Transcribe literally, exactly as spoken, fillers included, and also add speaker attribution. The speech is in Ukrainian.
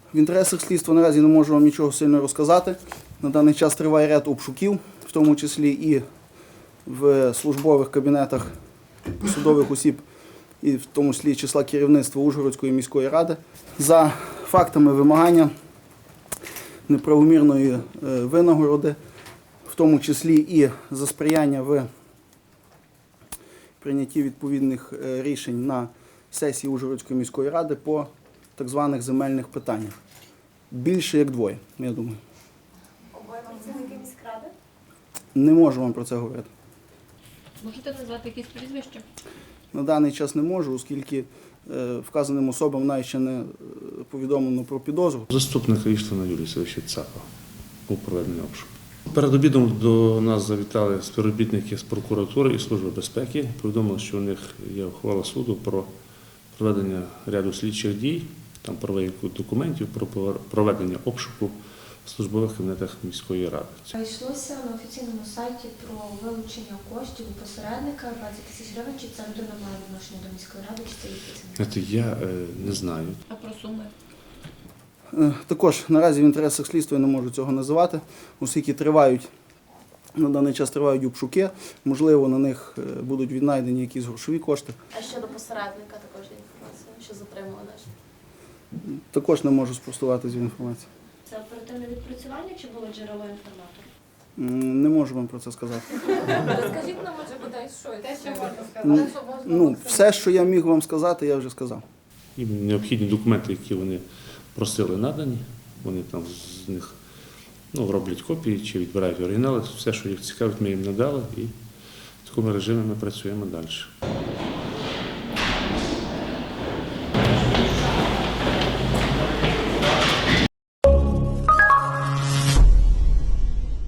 Speaker 1: В інтересах слідства наразі не можу вам нічого сильно розказати. На даний час триває ряд обшуків, в тому числі і в службових кабінетах судових осіб, і в тому числі числа керівництва Ужгородської міської ради, за фактами вимагання неправомірної винагороди, в тому числі і за сприяння в прийнятті відповідних рішень на сесії Ужгородської міської ради по так званих земельних питаннях. Більше як двоє, я думаю.
Speaker 2: Обоє працівники міськради?
Speaker 1: Не можу вам про це говорити.
Speaker 3: Можете назвати якісь прізвища?
Speaker 1: На даний час не можу, оскільки е, вказаним особам навіть ще не е, повідомлено про підозру.
Speaker 4: Заступник Іштвана Юрія Савича Цапа у проведенні обшуку. Перед обідом до нас завітали співробітники з прокуратури і Служби безпеки. Повідомили, що у них є ухвала суду про проведення ряду слідчих дій, там перевірку документів, про проведення обшуку в службових кабінетах міської ради.
Speaker 5: Йшлося на офіційному сайті про вилучення коштів у посередника двадцять тисяч гривень. Чи ця людина має відношення до міської ради, чи це її працівник?
Speaker 4: Я е, не знаю.
Speaker 3: А про суми?
Speaker 1: Е, також наразі в інтересах слідства я не можу цього називати, оскільки тривають, на даний час тривають обшуки, можливо, на них е, будуть віднайдені якісь грошові кошти.
Speaker 2: А щодо посередника також є інформація, що затримували?
Speaker 1: Також не можу спростувати цю інформацію.
Speaker 2: Це оперативне відпрацювання чи було джерело інформатора?
Speaker 1: М, Не можу вам про це сказати.
Speaker 2: Розкажіть нам, може, бодай що. Те, що можна
Speaker 1: Ну,
Speaker 2: сказати, що можна
Speaker 1: ну, все, що я міг вам сказати, я вже сказав.
Speaker 4: Їм необхідні документи, які вони просили, надані. Вони там з них ну, роблять копії чи відбирають оригінали. Все, що їх цікавить, ми їм надали, і в такому режимі ми працюємо далі.